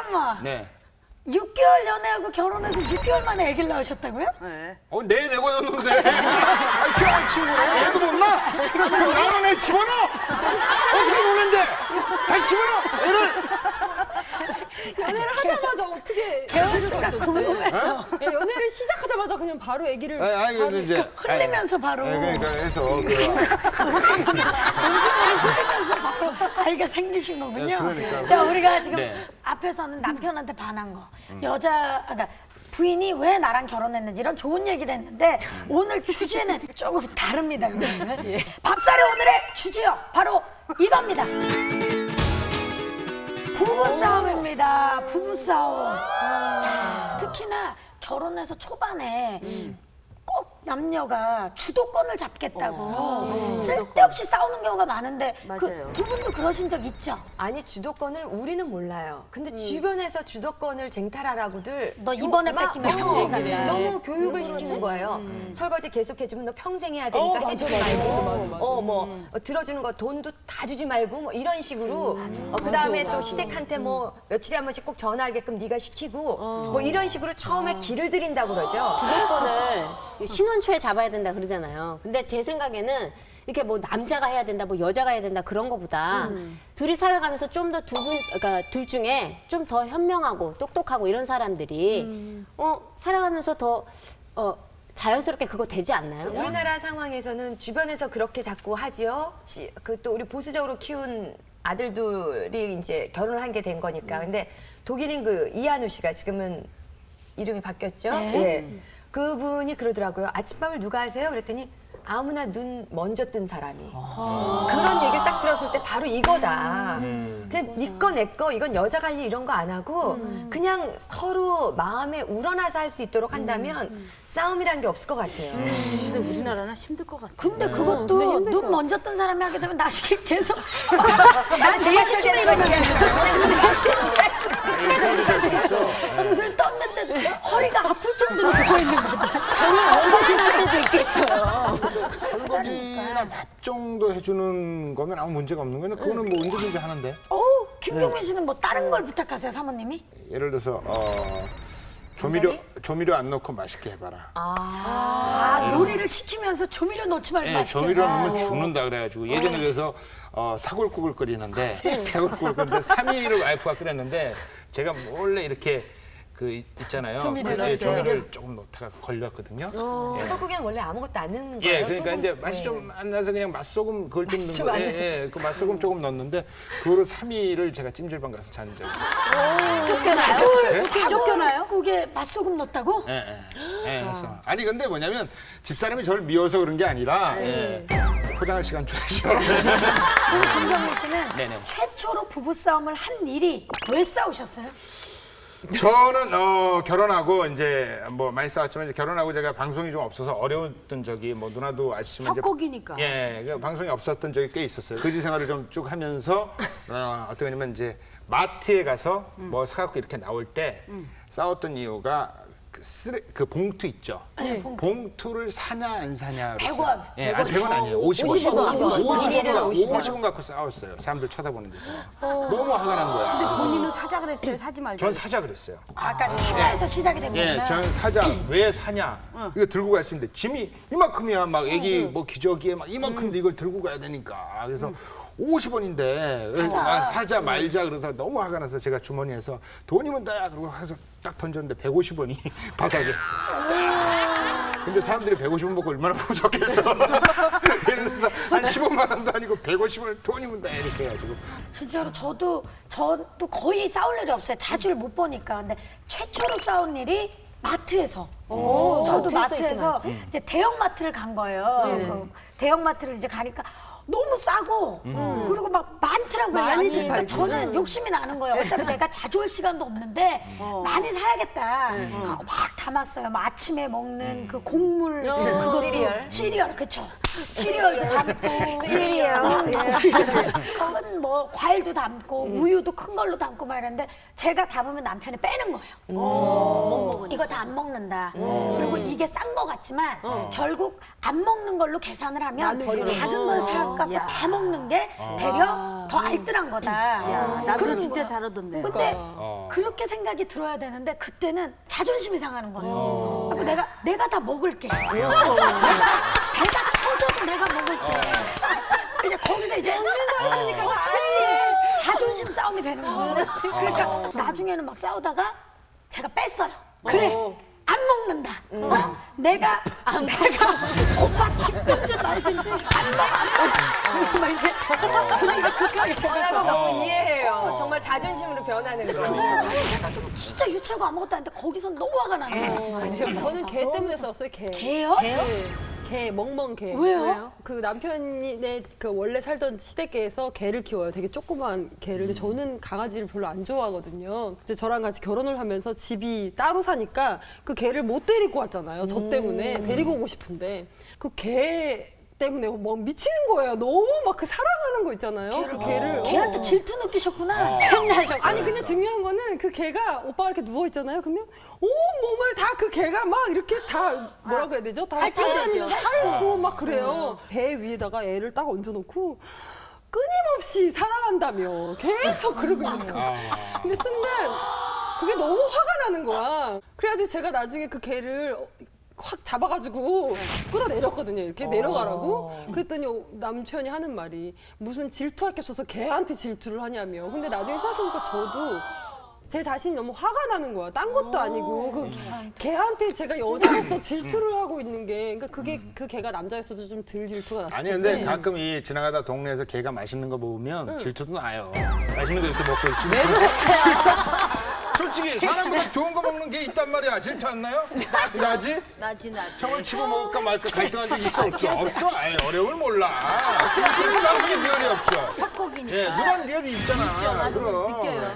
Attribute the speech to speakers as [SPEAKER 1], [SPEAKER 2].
[SPEAKER 1] 잠깐만.
[SPEAKER 2] 네.
[SPEAKER 1] 6개월 연애하고 결혼해서 6개월 만에 아기를 낳으셨다고요?
[SPEAKER 3] 네.
[SPEAKER 2] 내 내고였는데. 희한한 친구네. 애도 못 낳아. 나는 애 집어넣어. 어떻게 노는데? 다시 집어넣어. 애를.
[SPEAKER 4] 연애를 하자마자 어떻게
[SPEAKER 1] 개월수가 궁금해서.
[SPEAKER 4] 연애를 시작하자마자 그냥 바로 아기를
[SPEAKER 2] 아니, 근데 이제.
[SPEAKER 1] 흘리면서 바로.
[SPEAKER 2] 그러니까 해서.
[SPEAKER 1] 음식물을 흘리면서 바로 아이가 생기신 거군요.
[SPEAKER 2] 네, 그러니까.
[SPEAKER 1] 자, 우리가 지금
[SPEAKER 2] 네.
[SPEAKER 1] 앞에서는 남편한테 반한 거, 그러니까 부인이 왜 나랑 결혼했는지 이런 좋은 얘기를 했는데 오늘 주제는 조금 다릅니다, 여러분들. 밥살이 오늘의 주제요. 바로 이겁니다. 부부싸움입니다. 부부싸움. 특히나 결혼해서 초반에 꼭 남녀가 주도권을 잡겠다고 쓸데없이 싸우는 경우가 많은데
[SPEAKER 3] 맞아요.
[SPEAKER 1] 두 분도 그러신 적 있죠?
[SPEAKER 5] 아니 주도권을 우리는 몰라요. 근데 주변에서 주도권을 쟁탈하라고들
[SPEAKER 1] 너 이번에
[SPEAKER 5] 막,
[SPEAKER 1] 뺏기면 평생 간다.
[SPEAKER 5] 너무 교육을 시키는 거예요. 설거지 계속 해주면 너 평생 해야 되니까 해주지 말고 뭐 들어주는 거 돈도 다 주지 말고 뭐 이런 식으로 그다음에 또 시댁한테 뭐 며칠에 한 번씩 꼭 전화하게끔 네가 시키고 뭐 이런 식으로 처음에 길을 들인다고 그러죠.
[SPEAKER 6] 주도권을 신혼 초에 잡아야 된다 그러잖아요. 근데 제 생각에는 이렇게 뭐 남자가 해야 된다, 뭐 여자가 해야 된다 그런 거보다 둘이 살아가면서 좀 더 그러니까 둘 중에 좀 더 현명하고 똑똑하고 이런 사람들이 살아가면서 더 자연스럽게 그거 되지 않나요?
[SPEAKER 5] 우리나라 상황에서는 주변에서 그렇게 자꾸 하지요. 그 또 우리 보수적으로 키운 아들들이 이제 결혼을 한 게 된 거니까. 근데 독일인 그 이한우 씨가 지금은 이름이 바뀌었죠. 예. 그분이 그러더라고요. 아침밥을 누가 하세요? 그랬더니 아무나 눈 먼저 뜬 사람이. 그런 얘기를 딱 들었을 때 바로 이거다. 그냥 네 거 내 거 이건 여자 관리 이런 거 안 하고 그냥 서로 마음에 우러나서 할 수 있도록 한다면 싸움이란 게 없을 것 같아요.
[SPEAKER 3] 근데 우리나라는 힘들 것 같아.
[SPEAKER 1] 근데 그것도 눈 먼저 뜬 사람이 하게 되면 나중에 계속
[SPEAKER 5] 나는 지하철 되는 거
[SPEAKER 1] 눈을 떴는데 허리가 아플 정도로 누워 있는 거다.
[SPEAKER 6] 저는 엉거리 날 때도 있겠어요.
[SPEAKER 2] 설거지나 밥 정도 해주는 거면 아무 문제가 없는 거예요. 그거는 뭐 언제든지 하는데.
[SPEAKER 1] 김경민 씨는 뭐 다른 걸 부탁하세요, 사모님이?
[SPEAKER 2] 예를 들어서 조미료 안 넣고 맛있게 해봐라.
[SPEAKER 1] 요리를 시키면서 조미료 넣지 말고
[SPEAKER 2] 예,
[SPEAKER 1] 맛있게
[SPEAKER 2] 조미료
[SPEAKER 1] 해라.
[SPEAKER 2] 넣으면 죽는다 그래가지고 예전에 그래서 사골국을 끓이는데 사골국을 끓이는데 3일을 와이프가 끓였는데 제가 몰래 이렇게 그 있잖아요. 조미료를 조금 넣다가 걸렸거든요.
[SPEAKER 5] 사골국에는 원래 아무것도 안 넣는 거예요.
[SPEAKER 2] 예, 그러니까
[SPEAKER 5] 소금?
[SPEAKER 2] 이제 맛이 좀 안 나서 그냥 맛소금 그걸 좀
[SPEAKER 5] 맛이
[SPEAKER 2] 넣은
[SPEAKER 5] 좀
[SPEAKER 2] 거. 예, 그 맛소금 조금 넣었는데 그거를 3일을 제가 찜질방 가서 잔 적이.
[SPEAKER 3] 쫓겨나요?
[SPEAKER 1] 국에 맛소금 넣었다고?
[SPEAKER 2] 예. 그래서 아니 근데 뭐냐면 집사람이 저를 미워서 그런 게 아니라 포장할 시간 줘야죠.
[SPEAKER 1] 그럼 김경민 씨는
[SPEAKER 2] 네네.
[SPEAKER 1] 최초로 부부싸움을 한 일이 왜 싸우셨어요?
[SPEAKER 2] 저는 결혼하고 이제 뭐 많이 싸웠지만 이제 결혼하고 제가 방송이 좀 없어서 어려웠던 적이 뭐 누나도 아시지만 이제
[SPEAKER 3] 협곡이니까.
[SPEAKER 2] 예, 그 방송이 없었던 적이 꽤 있었어요. 거지 생활을 좀 쭉 하면서 어떻게 하냐면 이제 마트에 가서 뭐 사갖고 이렇게 나올 때 싸웠던 이유가 그 봉투 있죠. 봉투를 사냐 안 사냐.
[SPEAKER 1] 100원.
[SPEAKER 2] 예, 아니 100원 아니에요. 50원.
[SPEAKER 5] 50원.
[SPEAKER 2] 50원 갖고 싸웠어요. 사람들 쳐다보는 데서. 너무 화가 난 거야.
[SPEAKER 3] 근데 본인은 사자 그랬어요? 사지 말고.
[SPEAKER 2] 전 사자 그랬어요.
[SPEAKER 1] 아까 사자에서 시작이 된
[SPEAKER 2] 예,
[SPEAKER 1] 거구나.
[SPEAKER 2] 저는 사자 왜 사냐? 이거 들고 갈 수 있는데 짐이 이만큼이야. 막 애기 뭐 기저귀에 막 이만큼인데 이걸 들고 가야 되니까. 그래서 50원인데 사자 말자 그러다가 너무 화가 나서 제가 주머니에서 돈이면 다야 그러고 가서 딱 던졌는데 150원이 바닥에. 근데 사람들이 150원 먹고 얼마나 부족했어. 예를 들어서 한 15만 원도 아니고 150원 돈이면 다 이렇게 해가지고.
[SPEAKER 1] 진짜로 저도 거의 싸울 일이 없어요. 자주를 못 보니까. 근데 최초로 싸운 일이 마트에서. 저도 마트에서 이제 대형 마트를 간 거예요. 그 대형 마트를 이제 가니까 너무 싸고 그리고 막 많더라고요.
[SPEAKER 4] 많이
[SPEAKER 1] 양이. 그러니까 저는 욕심이 나는 거예요. 어차피 내가 자주 올 시간도 없는데 많이 사야겠다. 하고 막 담았어요. 뭐 아침에 먹는 그 곡물 그것도
[SPEAKER 5] 시리얼.
[SPEAKER 1] 시리얼 그쵸. 시리얼도 담고 큰 뭐 과일도 담고 우유도 큰 걸로 담고 막 이랬는데 제가 담으면 남편이 빼는 거예요.
[SPEAKER 3] 못 먹으니까.
[SPEAKER 1] 이거 다 안 먹는다. 그리고 이게 싼 거 같지만 결국 안 먹는 걸로 계산을 하면 작은 걸 사갖고
[SPEAKER 3] 야.
[SPEAKER 1] 다 먹는 게 되려 더 알뜰한 거다.
[SPEAKER 3] 야, 남편
[SPEAKER 1] 그러는
[SPEAKER 3] 진짜
[SPEAKER 1] 거야.
[SPEAKER 3] 잘하던데.
[SPEAKER 1] 근데 그렇게 생각이 들어야 되는데 그때는 자존심이 상하는 거예요. 그래서 내가 다 먹을게. 내가 배가 터져도 내가 먹을게. 이제 거기서 이제 자존심 싸움이 되는 거예요. 그러니까 나중에는 막 싸우다가 제가 뺐어요. 그래. 안 먹는다. 내가 오빠 죽든지 말든지 안 먹어. 막 이렇게
[SPEAKER 5] 나도 너무 이해해요. 정말 자존심으로 변하는 거.
[SPEAKER 1] 사실 생각해보면 진짜 유치하고 아무것도 아닌데 거기선 너무 화가 나는 거예요.
[SPEAKER 4] 저는 개 때문에 싸웠어요. 개.
[SPEAKER 1] 개요?
[SPEAKER 4] 개, 멍멍 개.
[SPEAKER 1] 왜요?
[SPEAKER 4] 그 남편이 그 원래 살던 시댁에서 개를 키워요. 되게 조그만 개를. 근데 저는 강아지를 별로 안 좋아하거든요. 이제 저랑 같이 결혼을 하면서 집이 따로 사니까 그 개를 못 데리고 왔잖아요. 저 때문에 데리고 오고 싶은데 그 개 때문에 막 미치는 거예요. 너무 막 그 사랑하는 거 있잖아요. 그 개를.
[SPEAKER 1] 걔한테 질투 느끼셨구나.
[SPEAKER 6] 샘나셨구나.
[SPEAKER 4] 아니 근데 중요한 거는 그 개가 오빠가 이렇게 누워 있잖아요. 그러면 온 몸을 다 그 개가 막 이렇게 다 뭐라고 해야 되죠? 다 핥아다니면서 핥고 막 그래요. 배 위에다가 애를 딱 얹어놓고 끊임없이 사랑한다며 계속 그러고 있는 거야. 근데 순간 그게 너무 화가 나는 거야. 그래가지고 제가 나중에 그 개를 확 잡아가지고 끌어내렸거든요. 이렇게 내려가라고. 그랬더니 남편이 하는 말이 무슨 질투할 게 없어서 걔한테 질투를 하냐며. 근데 나중에 생각해보니까 저도 제 자신이 너무 화가 나는 거야. 딴 것도 아니고 그 걔한테 제가 여자로서 질투를 하고 있는 게 그러니까 그게 그 걔가 남자였어도 좀 덜 질투가 났을
[SPEAKER 2] 아니
[SPEAKER 4] 텐데.
[SPEAKER 2] 근데 가끔 이 지나가다 동네에서 개가 맛있는 거 먹으면 질투도 나요. 맛있는 거 이렇게 먹고 있으면. 왜 그러세요? 솔직히 사람보다 좋은 거 먹는 게 있단 말이야. 질투 안 나요? 나지?
[SPEAKER 3] 나지.
[SPEAKER 2] 저걸 집어먹을까 말까 갈등한 적 있어 없어? 없어? 아예 어려움을 몰라. 그런 방송에 리얼이 없죠.
[SPEAKER 3] 헛곡이니까.
[SPEAKER 2] 예, 그런 리얼이 있잖아.
[SPEAKER 3] 나도
[SPEAKER 2] 그럼.
[SPEAKER 3] 느껴요.